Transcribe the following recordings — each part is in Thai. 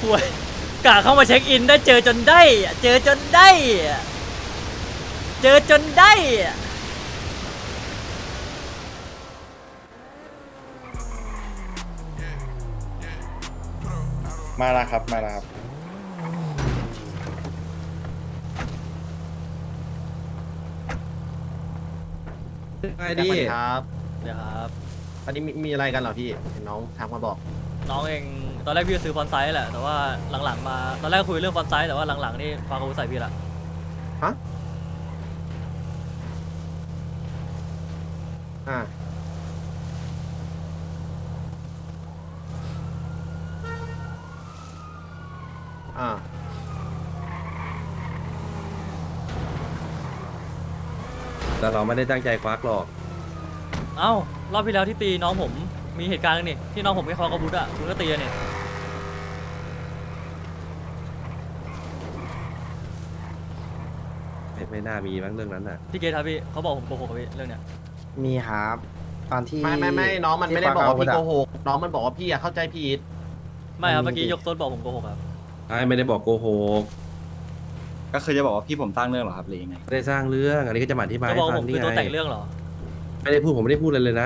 ป่วยกะเข้ามาเช็คอินได้เจอจนได้เจอจนได้เจอจนได้มาแล้วครับมาแล้วครับไงดีครับเดี๋ยวครับอันนี้มีอะไรกันเหรอพี่เห็นน้องทักมาบอกน้องเองตอนแรกพี่จะซื้อฟอนต์ไซส์แหละแต่ว่าหลังๆมาตอนแรกคุยเรื่องฟอนต์ไซส์แต่ว่าหลังๆนี่ฟังเขาใส่พี่ละฮะ อ่า อ่าแต่เราไม่ได้ตั้งใจควักหรอกเอ้ารอบที่แล้วที่ตีน้องผมมีเหตุการณ์นึงนี่ที่น้องผมไม่คอกระบุดอะคุณก็ตีกันนี่ไม่น่ามีมั้งเรื่องนั้นน่ะพี่เกทครับพี่เขาบอกผมโกหกกับพี่เรื่องเนี้ยมีครับตอนที่ไม่น้องมันไม่ได้บอกว่าพี่ที่โกฟังหกน้องมันบอกว่าพี่อะเข้าใจผิดไม่ครับเมื่อกี้ยกโซนบอกผมโกหกครับไม่ได้บอกโกหกก็คือจะบอกว่าพี่ผมสร้างเรื่องเหรอครับหรือยังไงไม่ได้สร้างเรื่อง อันนี้ก็จะมาอธิบายจะให้บอกฟัผงมนี่คือตัวไงแต่งเรื่องเหรอไม่ได้พูดผมไม่ได้พูดเลยนะ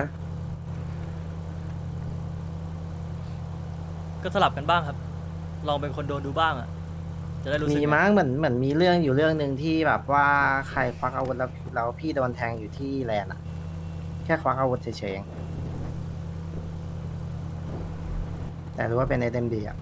ก็สลับกันบ้างครับ ลองเป็นคนโดนดูบ้างอะจะได้รู้สึกมีมั้งเหมือนมีเรื่องอยู่เรื่องหนึ่งที่แบบว่าใครควักอาวุธแล้วพี่โดนแทงอยู่ที่แลนด์อะแค่ควักอาวุธเฉยๆเองแต่รู้ว่าเป็น SMD อะ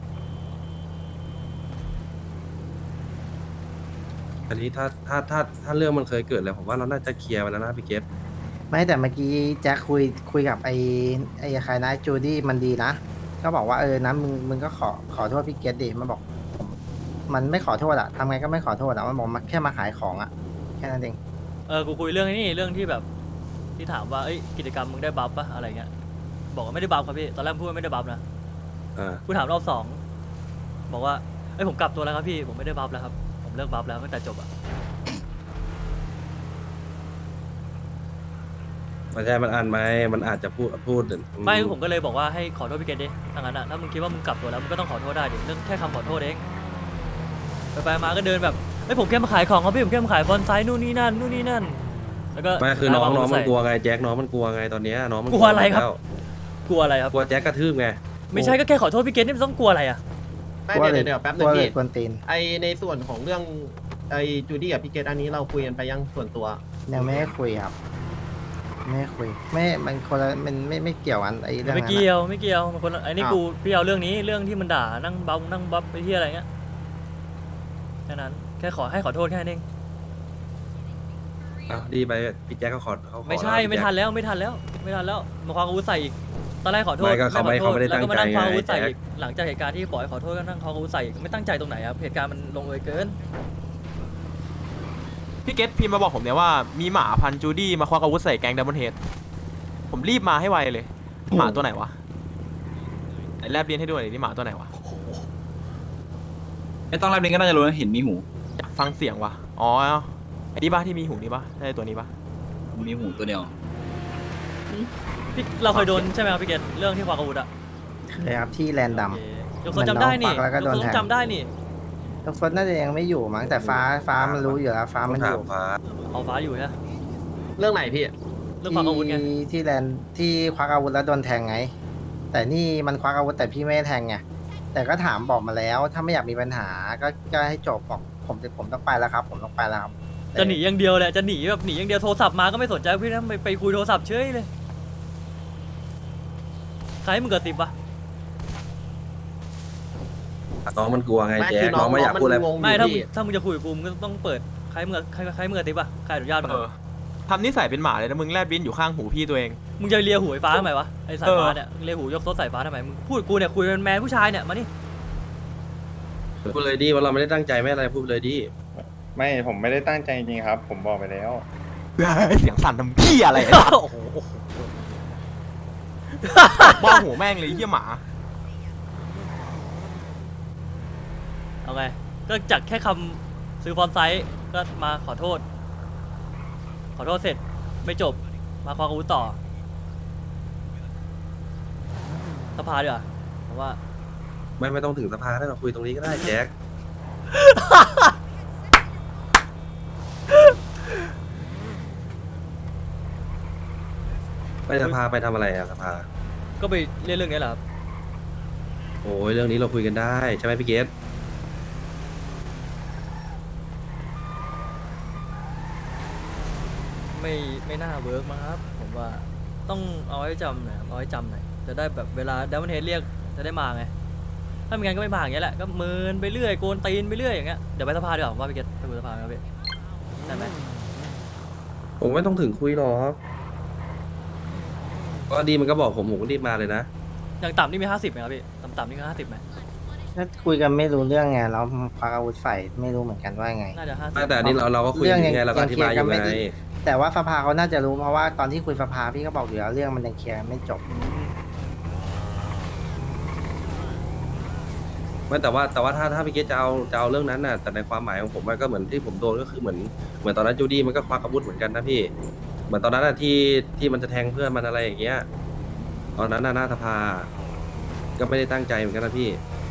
อันนี้ถ้าเรื่องมันเคยเกิดแล้วผมว่าเราน่าจะเคลียร์ไปแล้วนะพี่เกฟไม่แต่เมื่อกี้แจ็คคุยกับไอ้ใครนะจูดี้มันดีนะก็บอกว่านะมึงก็ขอโทษพี่เกตดิมันบอกมันไม่ขอโทษอะทำไงก็ไม่ขอโทษอะมันบอกมาแค่มาขายของอะแค่นั้นเองกูคุยเรื่องนี้เรื่องที่แบบที่ถามว่าเอ้ยกิจกรรมมึงได้บัฟปะอะไรเงี้ยบอกว่าไม่ได้บัฟครับพี่ตอนแรกพูดว่าไม่ได้บัฟนะ กูถามรอบสองบอกว่าเอ้ยผมกลับตัวแล้วครับพี่ผมไม่ได้บัฟแล้วครับผมเลิกบัฟแล้วตั้งแต่จบอะมันใช่มันอ่านไหมมันอาจจะพูดไม่คือผมก็เลยบอกว่าให้ขอโทษพี่เกดดิถ้างั้นอะถ้ามึงคิดว่ามึงกลับตัวแล้วมึงก็ต้องขอโทษได้ดิเรื่องแค่คำขอโทษเองไปมาก็เดินแบบเฮ้ยผมแค่มาขายของครับพี่ผมแค่มาขายฟอนต์ไซส์นู่นนี่นั่นแล้วก็ไม่คือน้องมันใส่กลัวไงแจ็คน้องมันกลัวไงตอนเนี้ยน้องมันกลัวอะไรครับแล้วกลัวอะไรครับกลัวแจ็คกระทืบไงไม่ใช่ก็แค่ขอโทษพี่เกดนี่มันต้องกลัวอะไรอะไม่เดี๋ยวแป๊บนึงกลัวเลพี่ยกวนตีนไอในส่วนของเรื่องไอจูดี้กับพี่เกตอันนี้เราคุยกันไปยังส่วนตัวยังไม่ได้คุยครับไม่ได้คุยไม่มันคนละมันไม่เกี่ยวกันไอ้เรื่องไม่นั้นเกี่ยอะวไม่เกี่ยวมันคนละไอ้นี่กูพี่เอาเรื่องนี้เรื่องที่มันด่านั่งบัฟไปที่อะไรเงี้ยแค่นั้นแค่ให้ขอโทษแค่นั้นเองอ้าวดีไปพี่แจ็คเขาขอไม่ใช่แล้วไม่ทันแล้วมาคว้าอาวุธใส่อีกตอนแรกขอโทษไม่ก็เขาไม่ได้แล้วก็มานั่งตั้คงใจว้าอาวุธใส่ไงอีกหลังจากเหตุการณ์ที่บอกให้ขอโทษก็นั่งคว้าอาวุธใส่อีกไม่ตั้งใจตรงไหนครับเหตุการณ์มันลงเอยเกินพี่เกตพิมพ์มาบอกผมเนี่ยว่ามีหมาพันธุ์จูดี้มาควักอาวุธใส่แก๊งดับเบิลเฮดผมรีบมาให้ไวเลย หมาตัวไหนวะไหนแลบเลียนให้ด้วยดินี่หมาตัวไหนวะไม่ต้องรับเรียนก็น่าจะรู้นะเห็นมีหูอยากฟังเสียงวะอ๋อไอ้นี่บ้าที่มีหูนี่ปะใช่ตัวนี้ปะมีหูตัวเดียวพี่เราเคยโดนใช่ไหมครับพี่เกตเรื่องที่คว้าอาวุธอะเคยครับที่แลนด์ดโอเคยกโซนจำได้นี่มันน้องปักแล้วก็โดนแทงจำได้นี่ำทุกคนน่าจะยังไม่อยู่มั้งแต่ฟ้ามันรู้อยู่แล้วฟ้าต้มัอน งอถามยู่ฟ้าเอาฟ้าอยู่ใช่ไหมเรื่องไหนพี่เรื่องคว้าอาวุธไงที่แลนด์ที่ควักอาวุธแล้วโดนแทงไง แต่นี่มันควักอาวุธแต่พี่ไม่ได้แทงไงแต่ก็ถามบอกมาแล้ว ถ้าไม่อยากมีปัญหาก็ให้จบบอกผมต้องไปแล้วครับ ผมต้องไปแล้วครับจะหนีอย่างเดียวแหละจะหนีแบบหนีอย่างเดียวโทรศัพท์มาก็ไม่สนใจพี่นะไปคุยโทรศัพท์เฉยเลยใครให้มึงเกิด10วะน้องมันกลัวไงไม่แจ็คืคน้องไม่อยากพูดอะไรงงอไม่ยู่ถ้ามึงพี่จะคุยกับกูมึงก็ต้องเปิดใครมึงเกิด10วะใครอนุญาตมึงทำนิสัยเป็นหมาเลยนะมึงแลบลิ้นอยู่ข้างหูพี่ตัวเองมึงจะเลียหูไอ้ฟ้าทำไมวะไอ้สายฟ้าเนี่ยเลียหูยกโซดสายฟ้าทำไมมึงพูดกับกูเนี่ยคุยเป็นแมนผู้ชายเนี่ยมานี่พูดเลยดิว่าเราไม่ได้ตั้งใจไม่อะไรพูดเลยดิไม่ผมไม่ได้ตั้งใจจริงๆครับ ผมบอกไปแล้วเสียงสั่นทำพี่อะไรโอ้โหบ้าหัวแม่งเลยเหี้ยหมาเอาไงก็จากแค่คำซื้อฟอนต์ไซส์ก็มาขอโทษเสร็จไม่จบมาคว้าอาวุธต่อสภาดีกว่าเพราะว่าไม่ต้องถึงสภาได้เราคุยตรงนี้ก็ได้แจ็ค ไปสภาไปทำอะไรอะสภาก็ไปเล่นเรื่องนี้แหละครับโอ้ยเรื่องนี้เราคุยกันได้ใช่ไหมพี่เกตไม่น่าเวิร์กมั้งครับผมว่าต้องเอาไว้จำหน่อยเอาไว้จำหน่อยจะได้แบบเวลาดัมเบิลเฮดเรียกจะได้มาไงถ้าไม่งั้นก็ไม่มาอย่างเงี้ยแหละก็เมินไปเรื่อยโกนตีนไปเรื่อยอย่างเงี้ยเดี๋ยวไปสภาดีกว่าผมว่าพี่เกตไปคุยสภาครับพี่ได้ไหมผมไม่ต้องถึงคุยหรอกก็ดีมันก็บอกผมก็รีบมาเลยนะอย่างต่ำนี่มี50ไหมครับพี่ต่ำๆนี่ก็50ไหมถ้าคุยกันไม่รู้เรื่องไงแล้วควักอาวุธใส่ไม่รู้เหมือนกันว่าไงน่าจะ50 แต่อันนี้เราก็คุยเรื่องยังไงเราก็อธิบายอยู่ไงแต่ว่าสภาเขาน่าจะรู้เพราะว่าตอนที่คุยสภาพี่ก็บอกอยู่แล้วเรื่องมันยังเคลียร์ไม่จบไม่แต่ว่าถ้าพี่เกตจะเอาเรื่องนั้นน่ะแต่ในความหมายของผมมันก็เหมือนที่ผมโดนก็คือเหมือนตอนนั้นจูดี้มันก็ควักอาวุธเหมือนกันนะพี่เหมือนตอนนั้นน่ะที่มันจะแทงเพื่อนมันอะไรอย่างเงี้ยตอนนั้นน่ะหน้าสภาก็ไม่ได้ตั้งใจเหมือนกันนะพี่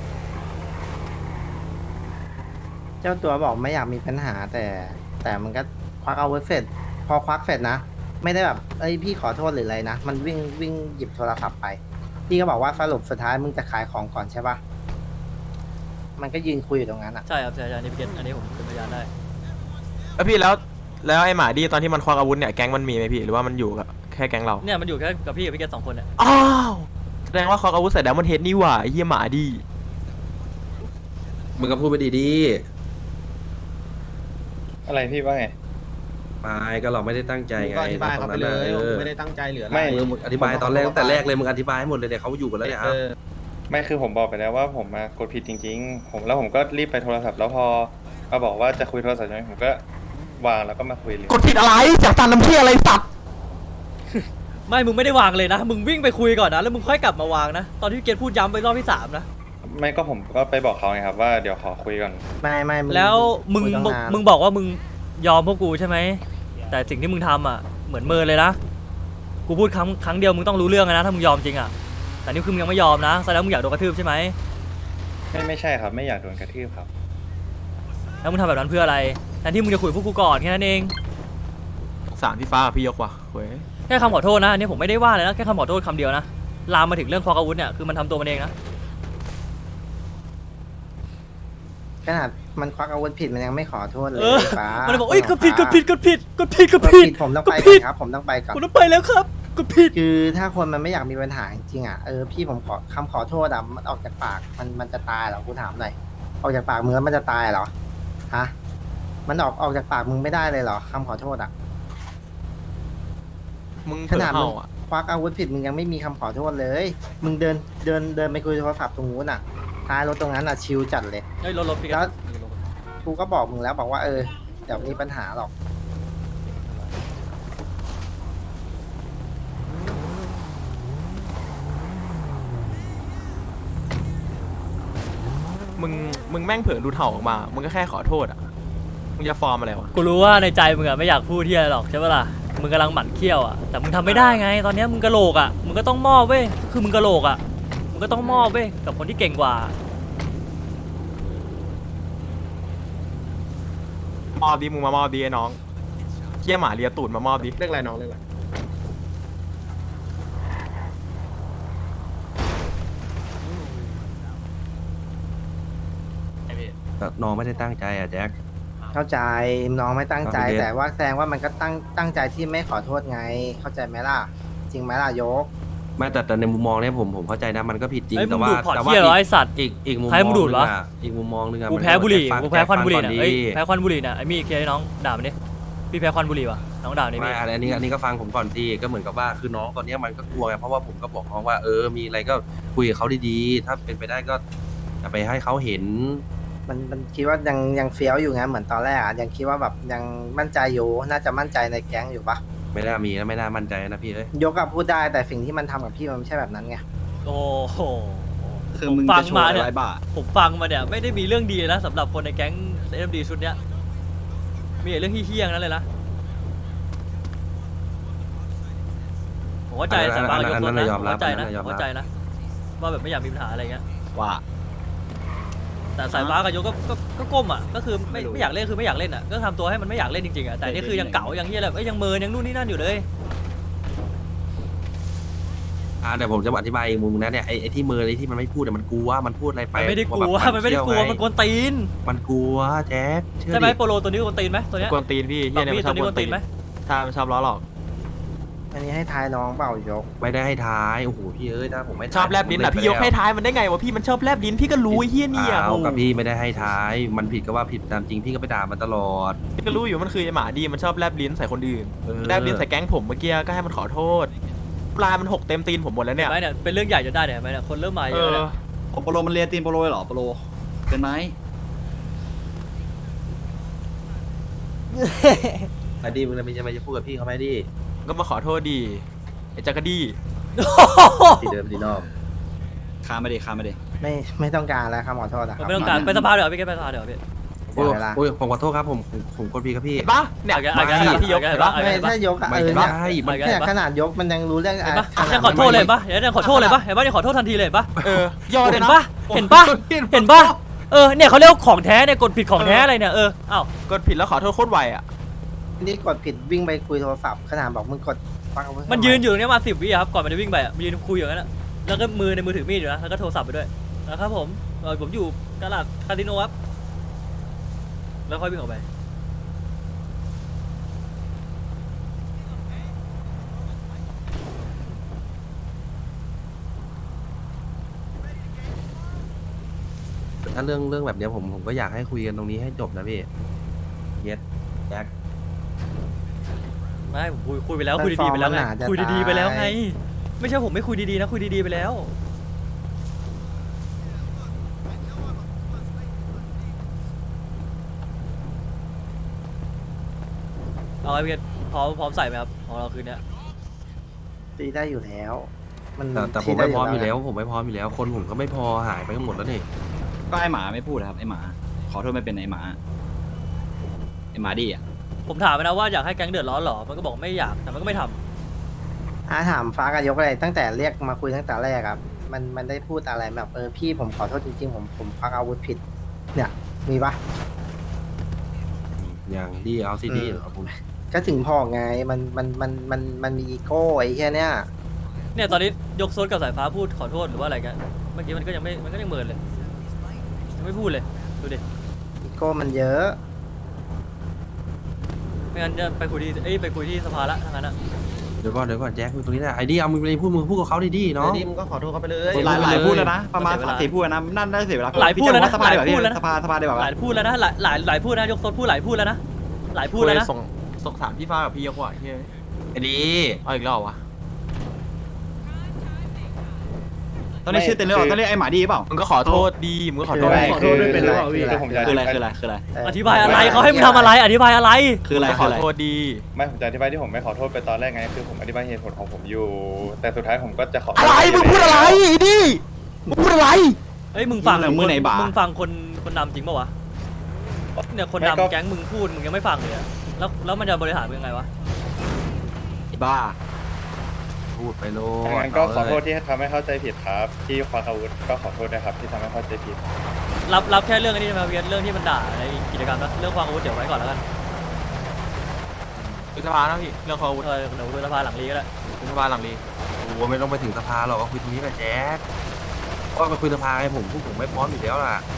เจ้าตัวบอกไม่อยากมีปัญหาแต่มันก็ควักอาวุธเสร็จพอควักเสร็จนะ ไม่ได้แบบเอ้ยพี่ขอโทษหรืออะไรนะมันวิ่งหยิบโทรศัพท์ไปพี่ก็บอกว่าสรุปสุดท้ายมึงจะขายของก่อนใช่ปะมันก็ยืนคุยอยู่ตรงนั้นอ่ะใช่ครับใช่อันนี้พี่เกตอันนี้ผมเป็นพยานได้พี่แล้วไอ้หมาดีตอนที่มันควักอาวุธเนี่ยแก๊งมันมีไหมพี่หรือว่ามันอยู่กับแค่แก๊งเราเนี่ยมันอยู่แค่กับพี่กับพี่เกต2คนเนี่ยอ้าวแสดงว่าควักอาวุธใส่ดัมเบิลเฮดนี่หว่าไอ้เหี้ยหมาดีมึงก็พูดไปดีอะไรพี่ว่าไงๆไปก็เราไม่ได้ตั้งใจมึงไงก็อธิบายเขาไปเลยตอนนั้นน่ะไม่ได้ตั้งใจเหลืออะไรไม่มึงอธิบายตอนแรกตั้งแต่แรกเลยมึงอธิบายให้หมดเลยเนี่ยเขาอยู่กันแล้วเนี่ยเออไม่คือผมบอกไปแล้วว่าผมมากดผิดจริงๆผมก็รีบไปโทรศัพท์แล้วพอมาบอกว่าจะคุยโทรศัพท์ใช่ไหมผมก็วางแล้วก็มาคุยเลยกดผิดอะไรจากตามน้ำเชี่ยอะไรสัตว์ไม่มึงไม่ได้วางเลยนะมึงวิ่งไปคุยก่อนนะแล้วมึงค่อยกลับมาวางนะตอนที่พี่เกตพูดย้ำไปรอบที่3นะไม่ก็ผมก็ไปบอกเขาไงครับว่าเดี๋ยวขอคุยก่อนไม่แล้วมึงคุยตั้นานมึงบอกว่ามึงยอมพวกกูใช่ไหมแต่สิ่งที่มึงทำอ่ะเหมือนเมินเลยนะกูพูดครั้งเดียวมึงต้องรู้เรื่องนะถ้ามึงยอมจริงอ่ะแต่นี่คือมึงยังไม่ยอมนะแสดงว่ามึงอยากโดนกระทืบใช่ไหมไม่ใช่ครับไม่อยากโดนกระทืบครับแล้วมึงทำแบบนั้นเพื่ออะไรแทนที่มึงจะคุยกับพวกกูก่อนแค่นั้นเองสารพี่ฟ้ากับพี่ยกว่ะเว้ยแค่คำขอโทษนะอันนี้ผมไม่ได้ว่าเลยนะแค่คำขอโทษคำเดียวนะลามมาถึงเรื่องควักอาวุธเนี่ยคือมันทำตัวมันเองนะขนาดมันควักอาวุธผิดมันยังไม่ขอโทษเลยเออฟ้ามันเลยบอกเอ้ยกดผิดฟ้า ผมต้องไปกดผิดก่อนครับผมต้องไปก่อนกูต้องไปแล้วครับกดผิดคือถ้าคนมันไม่อยากมีปัญหาจริงๆอ่ะพี่ผมขอคำขอโทษอ่ะมันออกจากปากมันจะตายเหรอกูถามหน่อยออกจากปากมึงแล้วมันจะตายเหรอฮะมันออกจากปากมึงไม่ได้เลยเหรอคำขอโทษอ่ะมึงขเถื่อนาดมึเห่าง อ่ะควักอาวุธผิดมึงยังไม่มีคำขอโทษเลย มึงเดินไปคุยโทรศัพท์ตรงนู้นอ่ะท้ายรถตรงนั้นอ่ะชิลจัดเลยเฮ้ยรถพี่แล้ว กูก็บอกมึงแล้วบอกว่าเดี๋ยวมีปัญหาหรอกมึงแม่งเผลอดูเห่าออกมามึงก็แค่ขอโทษอ่ะมึงจะฟอร์มอะไรวะกูรู้ว่าในใจมึงอะไม่อยากพูดที่อะไรหรอกใช่ปะล่ะมึงกำลังหมั่นเคี้ยวอะแต่มึงทำไม่ได้ไง ตอนเนี้ยมึงกะโหลกอะมึงก็ต้องมอบเว้ยคือมึงกะโหลกอะมึงก็ต้องมอบเว้ยกับคนที่เก่งกว่ามอบดิมึงมามอบดิไอ้น้องเชี่ยหมาเลียตูดมามอบดิเรื่องอะไรน้องเรื่องอะไรน้องไม่ได้ตั้งใจอ่ะแจ็คเข้าใจน้องไม่ตั้งใจครับพี่เดชแต่ว่าแสดงว่ามันก็ตั้งใจที่ไม่ขอโทษไง เข้าใจไหมล่ะ จริงไหมล่ะยกไม่แต่ในมุมมองเนี่ยผมเข้าใจนะมันก็ผิดจริงเฮ้ยมึแต่งว่าดูดพอร์ตแต่เที่ยเหรอไอสัตว์อีกมุมมใครองมึงดูดเหรออีกมุมมองนึงอะกูแพ้บุหรี่มันกูแพ้ควันบุหรี่ฟังเนี่ยก่อเอ้ยแพ้ควันบุหรี่เนี่ยไอ้มี่เคลียร์ให้น้องด่ามันดิพี่แพ้ควันบุหรี่วะน้องด่านี่ไม่มี่อันนี้ก็ฟังผมก่อนสิก็เหมือนกับว่าคือน้องตอนเนี้ยมันก็กลัวไงเพราะว่าผมก็บอกน้องว่ามีอะไรก็คุยกับเขาดีๆถ้าเป็นไปได้ก็อย่าไปให้เขาเห็นมันคิดว่ายังเฟี้ยวอยู่ไงเหมือนตอนแรกอ่ะยังคิดว่าแบบยังมั่นใจอยู่น่าจะมั่นใจในแก๊งอยู่ปะไม่น่ามีนะไม่น่ามั่นใจนะพี่เอ้ยยกกับพูดได้แต่สิ่งที่มันทำกับพี่มันไม่ใช่แบบนั้นไงโอ้โหคือมึงฟัจะโชว์มาอะเนี่ยไรบ้าผมฟังมาเนี่ยไม่ได้มีเรื่องดีนะสำหรับคนในแก๊งเอ็มดีชุดเนี้ยมีแต่เรื่องเฮี้ยๆนั้นเลยนะผมเข้าใจสายฟ้ากับยกรถนะผมเข้าใจนะผมเข้าใจนะว่าแบบไม่อยากมีปัญหาอะไรเงี้ยว่าแต่สายฟ้ากับยกก็ก้มอ่ะก็คือไม่อยากเล่นคือไม่อยากเล่นอ่ะก็ทำตัวให้มันไม่อยากเล่นจริงๆอ่ะแต่นี่คือยังเก๋ายังเหี้ยแบบยังเมินยังนู่นนี่นั่นอยู่เลยเดี๋ยวผมจะอธิบายอีกมุมนะเนี่ยไอ้ที่มือไอ้ที่มันไม่พูดเนี่ยมันกลัวมันพูดอะไรไปมันไม่ได้กลัวแบบมันไม่ได้กลัวเที่ยมันกวนตีนมันกลัวแจ็คเชื่อใช่ไหมดิโปโลตัวนี้กวนตีนไหมตัวเนี้ยกวนตีนพี่เฮีบาย กเนี่ยพี่มันชตัอวบ กวน นตีนี้กวนตีนนไหมถ้ามันชอบล้อหลอกอันนี้ให้ทายน้องเปล่ายกไม่ได้ให้ท้ายโอ้โหพี่เอ้ยถ้าผมไม่ชอบแลบลิ้นอ่ะพี่ยกให้ท้ายมันได้ไงวะพี่มันชอบแลบลิ้นพี่ก็รู้ไอ้เฮียเนี่ยเอากับพี่ไม่ได้ให้ท้าย มันผิดก็ว่าผิดตามจริงพี่ก็ไปด่ามันตลอดพี่ก็รู้อยู่มันคือไอ้หมาดีมันชอบแลบลิ้นใส่คนอื่น แลบลิ้นใส่แก๊งผมเมื่อกี้ก็ให้มันขอโทษปลายมันหกเต็มตีนผมหมดแล้วเห็เนี่นยไหมเนี่ยเป็นเรื่องใหญ่จนได้เนี่ยเห็นไหมเนี่ยคนเริ่มมาเยเออะอแล้วโปโลมันเรียนตีนโปโลเลยเหรอโปโลเป็นไหมไอ้ดีมึงจะไม่จะพูดกับพี่เขาไหมดิก็มาขอโทษดีไอ้จักรดีที่เดิมที่นอกคาไม่ได้คาไม่ได้ไม่ต้องการแล้วครับขอโทษนะครับไม่ต้องการไปสภาเดี๋ยวพี่แกไปสภาเดี๋ยวพี่โอ้ยเวลาโอ้ยผมขอโทษครับผมกดพี่ครับพี่เห็นปะเนี่ยเอาแกพี่ยกเห็นปะไม่ถ้ายกอะไม่เออได้เนี่ยมันเนี่ยขนาดยกมันยังรู้เรื่องเห็นปะขนาดยังขอโทษเลยปะเห็นยังขอโทษเลยปะเห็นปะยังขอโทษทันทีเลยเห็นปะยอดเลเห็ยนนะปะเห็นปะเห็นปะเนี่ยเขาเรียกว่าของแท้เนี่ยกดผิดของแท้อะไรเนี่ยอ้าวกดผิดแล้วขอโทษโคตรไวอ่ะนี่กดผิดวิ่งไปคุยโทรศัพท์ขนาดบอกมึงกดฟังเอาไว้มันยืนอยู่ตรงเนี้ยมา10 วิครับก่อนมันจะวิ่งไปอ่ะมันยืนคุยอย่างนั้นอะแล้วก็มือในมือถือมีดอยู่นะแล้วก็โทรศัพท์ไปด้วยนะครับผมอยู่ตลาดคาสิโนครับแล้วค่อยวิ่งออกไปถ้าเรื่องแบบเนี้ยผมก็อยากให้คุยกันตรงนี้ให้จบนะพี่เย็ดแจ็คไม่ผมคุยไปแล้วคุยดีๆไปแล้วไงคุยดีๆไปแล้วไงไม่ใช่ผมไม่คุยดีๆนะคุยดีๆไปแล้วเอาไอ้เพียรพร้อมใส่ไหมครับของเราคืนเนี้ยตีได้อยู่แล้วแต่ผมไม่พร้อมอยู่แล้วผมไม่พร้อมอยู่แล้วคนผมก็ไม่พอหายไปกันหมดแล้วนี่ก็ไอหมาไม่พูดนะครับไอหมาขอโทษไม่เป็นไอหมาดีอ่ะผมถามไปนะว่าอยากให้แก๊งเดือดร้อนเหรอมันก็บอกไม่อยากแต่มันก็ไม่ทำถามฟ้ากับยกอะไรตั้งแต่เรียกมาคุยตั้งแต่แรกครับมันได้พูดอะไรแบบพี่ผมขอโทษจริงๆผมพักอาวุธผิด เนี่ยมีปะอย่างดีเอาซีดีเหรอผมก็ถึงพอไงมันมีอีโก้ไอ้แค่เนี้ยเนี่ยตอนนี้ยกโซนกับสายฟ้าพูดขอโทษหรือว่าอะไรกันเมื่อกี้มันก็ยังเมินเลยยังไม่พูดเลยดูดิอีโก้มันเยอะไม่งั้นจะไปคุยที่สภาละทั้งนั้นอะเดี๋ยวก่อนแจ็คคุยตรงนี้นะไอ้ดีเอามึงไปพูดกับเขาดีๆเดี๋เนาะยวนี้มึงก็ขอโทษเขาไปเลยหลายพูดแล้วนะประมาณ3-4พูดนะนั่นได้เสียเวลาหลายพูดแล้วนะสภาหลายดีกว่าพูดแล้วนะสภาดีกว่าหลายพูดแล้วนะหลายพูดนะยกโซนพูดหลายพูดแล้วนะหลายพูดแล้วนะส่งถามพี่ฟ้ากับพี่ยกว่ะเฮ้ยไอ้ดีเอาอีกรอบวะตอนนี้ชื่อเต็มเลยเหรอต้องเรียกไอหมาดีเปล่ามึงก็ขอโทษดีมึงก็ขอโทษขอโทษด้วยเป็นหรือเปล่าพี่คือผมจะคืออะไรอธิบายอะไรเขาให้มึงทำอะไรอธิบายอะไรคืออะไรขอโทษดีไม่ผมจะอธิบายที่ผมไม่ขอโทษไปตอนแรกไงคือผมอธิบายเหตุผลของผมอยู่ แต่สุดท้ายผมก็จะขออะไรมึงพูดอะไรดิมึงพูดอะไรเอ้ยมึงฟังมือไหนบ่ามึงฟังคนดำจริงป่าวะเนี่ยคนดำแก๊งมึงพูดมึงยังไม่ฟังเลยอะแล้วมันจะบริหารมึงยังไงวะบ้าพูดไปโลงั้นก็ขอโทษที่ทำให้เข้าใจผิดครับ ที่ควักอาวุธก็ขอโทษนะครับที่ทำให้เข้าใจผิดรับแค่เรื่องนี้ใช่ไหมเวียนเรื่องที่มันด่าในกิจกรรมนะเรื่องความอาวุธเดี๋ยวไว้ก่อนแล้วกันคุยสภานะพี่เรื่องเขาอาวุธเดี๋ยวดูสภาหลังลีก็ได้คุยสภาหลังดีโอ้ไม่ต้องไปถึงสภาหรอกก็คุยตรงนี้แหละแจ็คก็ไปคุยสภาไงผมไม่พร้อมอยู่แล้วล่ะ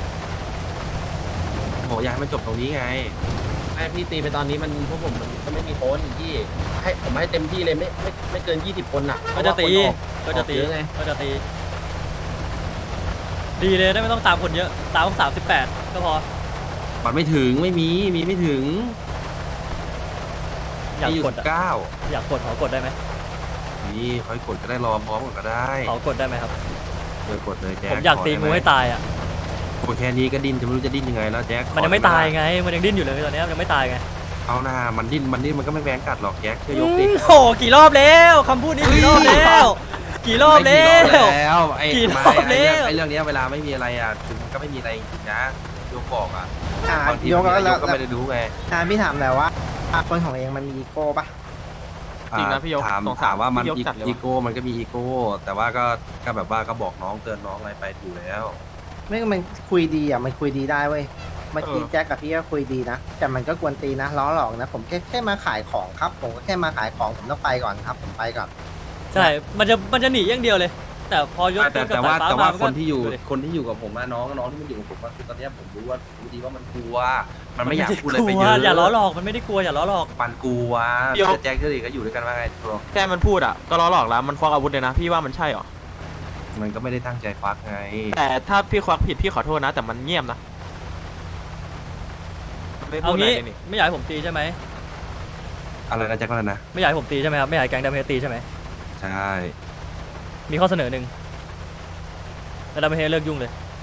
ผมอยากให้มันจบตรงนี้ไงไอพี่ตีไปตอนนี้มันพวกผมมันก็ไม่มีคนที่ให้ผมให้เต็มที่เลยไม่เกิน20 คนอ่ะก็จะตีก็จะตีเยอะไงก็จะตีดีเลยได้ไม่ต้องตามคนเยอะตาม38ก็พอมันไม่ถึงไม่มีไม่ถึงอยากมีอยู่กดอะ 19 อยากกดขอกดได้ไหมนี่ค่อยกดก็ได้รอพร้อมกันก็ได้ขอกดได้ไหมครับกดเลยแจ็คผมอยากตีงูให้ตายอ่ะกดแค่นี้ก็ดิ้นจะไม่รู้จะดิ้นยังไงแล้วแจ็คมันยังไม่ตายไงมันยังดิ้นอยู่เลยตอนนี้มันยังไม่ตายไงเอาหน้ามันดิ้นมันก็ไม่แบงกัดหรอกแจ็คเชื่อยกดิโอ้โหกี่รอบแล้วคำพูดนี้กี่รอบแล้วกี่รอบแล้วไอ้กี่รไม่อบแล้วไอ้เรื่องเนี้ยเวลาไม่มีอะไรอ่ะคือมันก็ไม่มีอะไรจริงๆนะยกบอกอ่ะอ่ะบางทียกแล้วยกก็ไม่ได้รู้ไงพี่ถามหน่อยว่าคนของเองมันมีอีโก้ปะจริงนะพี่ยกถามว่ามันพี่ยกจัดเลยอีโก้มันก็มีอีโก้แต่ว่าก็แบบว่าก็บอกน้องเตือนน้องอะไรไปอยู่แล้วไม่มันคุยดีอ่ะมันคุยดีได้เว้ยเมื่อกี้แจ็คกับพี่ก็คุยดีนะแต่มันก็กวนตีนนะล้อหลอกนะผมแค่มาขายของครับผมก็แค่มาขายของผมต้องไปก่อนครับผมไปก่อนใช่มันจะหนีอย่างเดียวเลย แต่พอยกแต่กับแต่ว่าสายฟ้แต่ว่ามันคก็นที่อยู่ดูดิคนที่อยู่กับผมอะน้องที่มันอยู่กับผมอะคือตอนเนี้ยผมรู้ดีว่ามันกลัว มันไม่อยากพูดอะไรไปกเยลัวอะอย่าล้อหลอกมันไม่ได้กลัวอย่าล้อหลอกมันกลัวเดี๋ยวแจ็คเกอร์ก็อยู่ด้วยกันว่าไงตัวแค่มันพูดอ่ะก็ล้อหลอกแล้วมันควักอาวุธเลยนะพี่ว่ามันใช่เหรอมันก็ไม่ได้ตั้งใจควักไงแต่ถ้าพี่ควักผิดพี่ขอโทษนะ แต่มันเงียบนะมันไม่พูเอาดอะไรงี้เลยนี่ไม่อยากให้ผมตีใช่ไหมอะไรนะแจ็คว่านะไม่อยากให้ผมตีใช่ไหมครับไม่อยากให้แก๊งดัมเฮดตีใช่ไหมใช่มีข้อเสนอหนึ่งแล้วดัมเฮดเลิกยุ่งเลย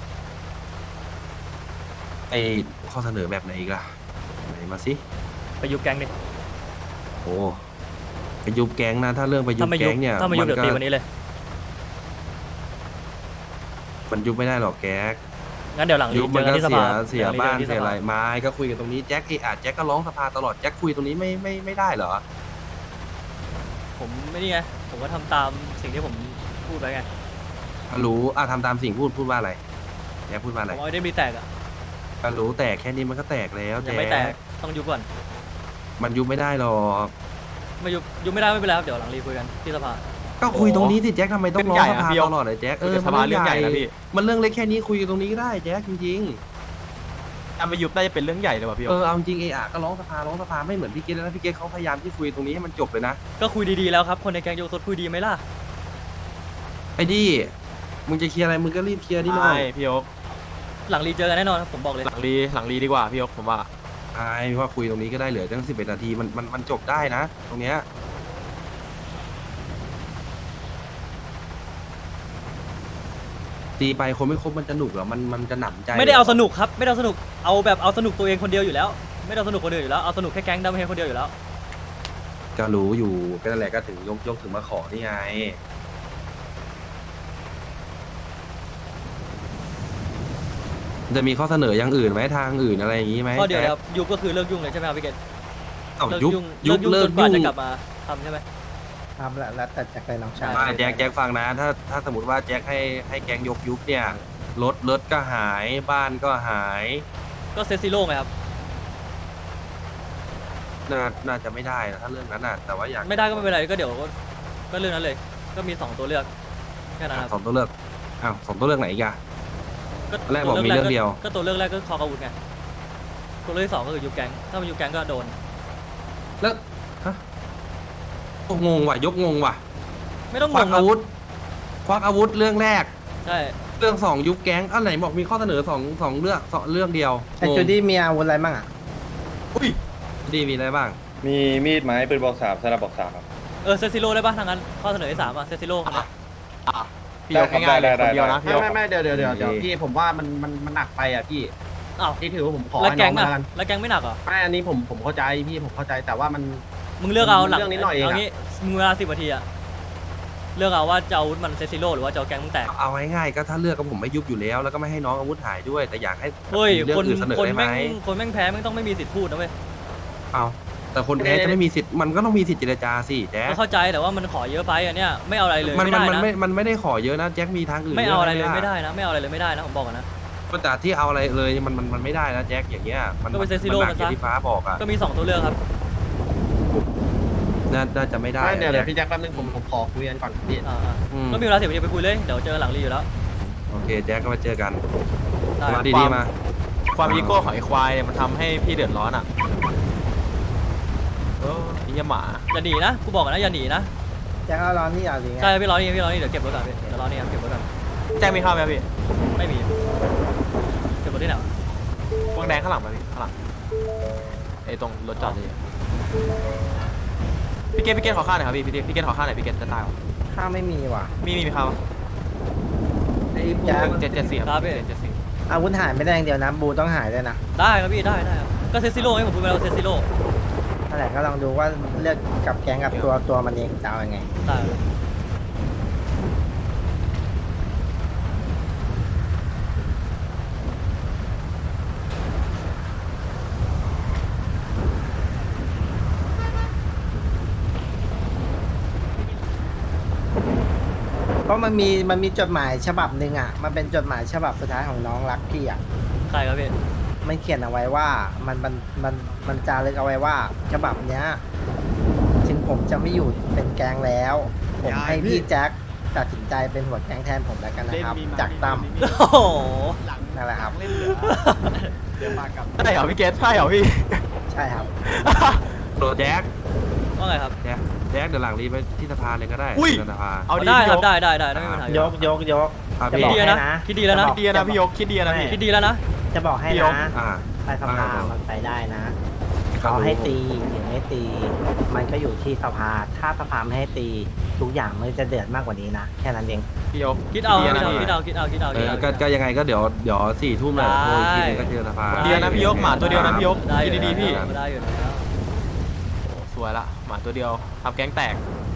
ไอข้อเสนอแบบไหนอีกล่ะไหนมาสิไปยุบแก๊งดิโอ้ไปยุบแก๊งนะถ้าเรื่องไปยุบถ้าไม่ยุแก๊บงเนี่ยถ้าไม่ยุบนเดี๋ยวก็ตีวันนี้เลยมันยุบไม่ได้หรอกแก๊กงั้นเดี๋ยวหลังรียุบเจมันอกันก็ที่สเสีภายเสียดี๋วหลังบ้านจอกัที่เสียอะไรสภไม้ก็คุยกันตรงนี้แจ็คแจ็คก็ร้องสภาตลอดแจ็คคุยตรงนี้ไม่ได้เหรอผมไม่นี่ไงผมก็ทำตามสิ่งที่ผมพูดไปไงรู้ทำตามสิ่งพูดว่าอะไรแจ็คพูดว่าผอะไรมเอาได้มีแตกอ่ะก็รู้แต่แค่นี้มันก็แตกแล้วยังแจ็ไม่แตกคต้องยุบก่อนมันยุบไม่ได้หรอกไม่ยุบไม่ได้ไม่เป็นไรครับเดี๋ยวหลังรีคุยกันที่สภาก็คุยตรงนี้สิแจ็คทำไมต้องร้องสภาเรื่องใหญ่อะพี่ตลอดเลยแจ็คคุยกับสภาเรื่องใหญ่นะพี่มันเรื่องเล็กแค่นี้คุยกันตรงนี้ก็ได้แจ็คจริงถ้าไม่ยุบน่าจะเป็นเรื่องใหญ่เลยว่ะพี่ๆเอาจริงก็ร้องสภาไม่เหมือนพี่เกตนะพี่เกตเขาพยายามที่คุยตรงนี้ให้มันจบเลยนะก็คุยดีๆแล้วครับคนในแก๊งโยกสดคุยดีไหมล่ะไอ้ดิมึงจะเคลียร์อะไรมึงก็รีบเคลียร์ดิน้องใช่พี่ยกหลังรีเจอกันแน่นอนครับผมบอกเลยหลังรีดีกว่าพี่ยกผมว่าไอ้ว่าคุยตรงนี้ก็ได้เหลือตั้ง11 นาทีมันจบได้นะ ตรงเนี้ยตีไปคนไม่ครบมันจะหนุกเหรอมันจะหนำใจไม่ได้เอาสนุกครับไม่ได้เอาสนุกเอาแบบเอาสนุกตัวเองคนเดียวอยู่แล้ว ไม่ได้เอาสนุกคนอื่นอยู่แล้วเอาสนุกแค่แก๊งดัมเฮดคนเดียวอยู่แล้วก็รู้อยู่ก็นั่นแหละก็ถึงยกถึงมาขอนี่ไงจะมีข้อเสนออย่างอื่นไหมทางอื่นอะไรอย่างนี้ไหมก็เดี๋ยวนะครับยุบก็คือเลิกยุ่งเลยใช่ไหมครับพี่เกศเอ้าเลิกยุบยุ่งยุบจเลิกนกว่ายุ่งจะกลับมาทำใช่ไหมครับแล้วแต่แจ็คเลยน้องชายไม่แจ็คฟังนะ ถ้าสมมติว่าแจ็คให้แก๊งยกยุบเนี่ยรถก็หายบ้านก็หายก็เซตซิโร่ไงครับน่าจะไม่ได้นะถ้าเรื่องนั้นน่ะแต่ว่าอยากไม่ได้ก็ไม่เป็นไรก็เดี๋ยวก็เรื่องนั้นเลย ก็มี2ตัวเลือกแค่นั้นครับสองตัวเลือกสองตัวเลือกไหนอีกอะก็แรกบอกมีเรื่องเดียวก็ตัวเลือกแรกก็คออาวุธไงตัวเลือกที่2ก็คือยุบแก๊งถ้ามันยุบแก๊งก็โดนแล้วฮะโอ้งงว่ะยกงงว่ะไม่ต้องคงวักงครัอาบวุธควักอาวุธเรื่องแรกใช่เรื่องสองยุบแก๊งอันไหนบอกมีข้อเสนอสองเรื่องเดียวไอ้จูดี้มีอาวุธอะไรบ้างอ่ะดีมีอะไรบ้างมีมีดไม้ปืนบอก3สนับบอก3ครับเซตซิโร่ได้ป่ะทางนั้นข้อเสนอที่3เซตซิโร่พี่ยกง่ายๆเลยคนเดียวนะพี่ยกไม่เดี๋ยวพี่ผมว่ามันหนักไปอ่ะพี่อ้าวที่ถือว่าผมขอแล้วให้แก๊น้อง งมาอ่ะแล้วกันแล้วแก๊งไม่หนักเหรอไม่อันนี้ผมเข้าใจพี่ผมเข้าใจแต่ว่ามันมึงเลือกเอาหลังเรื่องนิดหน่อยเองอะเอางี้มึงเวลา10 นาทีอะเลือกเอาว่าจะเอาอาวุธมันเซตซิโร่หรือว่าจะเอาแก๊งมึงแตกเอาง่ายๆก็ถ้าเลือกก็ผมไม่ยุบอยู่แล้ว แล้วก็ไม่ให้น้องอาวุธหายด้วย แต่อยากให้เฮ้ยมีเรื่องคนอื่นเสนอคนได้ไหมแม่งแพ้แม่งต้องไม่มีสิทธิ์พูดนะเว้ยเอาแต่คนแพ้จะไม่มีสิทธิ์มันก็ต้องมีสิทธิ์เจรจาสิแจ๊คก็เข้าใจแต่ว่ามันขอเยอะไปอันเนี้ยไม่เอาอะไรเลยมันไม่ได้นะมันไม่ได้ขอเยอะนะแจ็คมีทางอื่นไม่เอาอะไรเลยกไม่ได้นะไม่เอาอะไรเลยไม่ได้นะผมบอกก่อนนะแต่ที่เอาอะไรเลยมันไม่ได้นะแจ็คอย่างเงี้ยมันก็ไปเซตซิโร่หนัมันอซะย่างที่ฟ้าบอกอ่ะก็มี2ตัวเลือกครับน่าจะไม่ได้ไม่เดี๋ยวแจ็คพี่แจ็คแป๊บนึงผมขอคุยกันก่อนพี่อ่าอืมก็มีเวลา10 นาทีไปคุยเลยเดี๋ยวเจอหลังรีอยู่แล้วโอเคแจ็คก็มาเจอกันได้มาดีๆมาความอีโก้ของไอ้ควายเนี่ยมันทำให้พี่เดือดร้อนอ่ะไอ้เหี้ยหมาอย่าหนีนะกูบอกก่อนนะอย่าหนีนะแจ็คเอาร้อนนี่เอาหรือไงใช่พี่รอนี่เดี๋ยวเก็บรถก่อนพี่เดี๋ยวรอนี่ครับเก็บรถก่อนแจ้งมีข้าวไหมครับพี่ไม่มีเก็บรถที่ไหนวะวงแดงข้างหลังไหมพี่ข้างหลังไอ้ตรงรถจอดเลยพี่เกตขอข้าวหน่อยครับพี่เกตขอข้าวหน่อยพี่เกตจะตายเหรอข้าวไม่มีว่ะมีข้าวปะไอ้แจ็ค 774ครับ774 อาวุธหายไม่ได้อย่างเดียวนะบูต้องหายด้วยนะได้ครับพี่ได้ครับก็เซตซิโร่ให้ผมพูดไปแล้วเซตซิโร่นั่นแหละก็ลองดูว่าเลือกกับแก๊งกับตัวมันเองจะเอายังไงได้เพราะมันมีจดหมายฉบับหนึ่งอ่ะมันเป็นจดหมายฉบับสุดท้ายของน้องรักพี่อ่ะใครครับพี่มันเขียนเอาไว้ว่ามันจารึกเอาไว้ว่า ฉบับเนี้ยถึงผมจะไม่อยู่เป็นแก๊งแล้ว ผมให้พี่แจ็คตัดสินใจเป็นหัวแก๊งแทนผมแล้วกันนะครับ จากตั้มโอ้โหนั่นแหละครับใช่เหรอพี่เกตใช่เหรอพี่ใช่ครับโดแจ็คว่าไงครับแจ็คเดี๋ยวหลังรีไปที่สภาเลยก็ได้อุ้ยสภาเอาดีได้พี่คยรับกได้ไม่มีปัญหายกอ่ะจะคิดบอกดีให้แล้วนะนะคิดดีแล้วนะคิดดีนะพี่ยกคิดดีนะพี่คิดดีแล้วนะจะบอกให้พี่ยกนะอ่าไปสภามันไปได้นะเขาให้ตีหรือไม่ตี มันก็อยู่ที่สภาถ้าสภาไม่ให้ตีทุกอย่างมันจะเดือดมากกว่านี้นะแค่นั้นเองพี่ยกคิดเอาดีนะคิดเอาเออก็ยังไงก็เดี๋ยว4 ทุ่มเลยโทรอีกทีนึงก็เจอสภาเดียวนะพี่ยกหมาตัวเดียวนะพี่ยกได้อคิดยู่ดีๆพี่ได้อยู่แล้วสวยละหมาตัวเดียวทำแก๊งแตก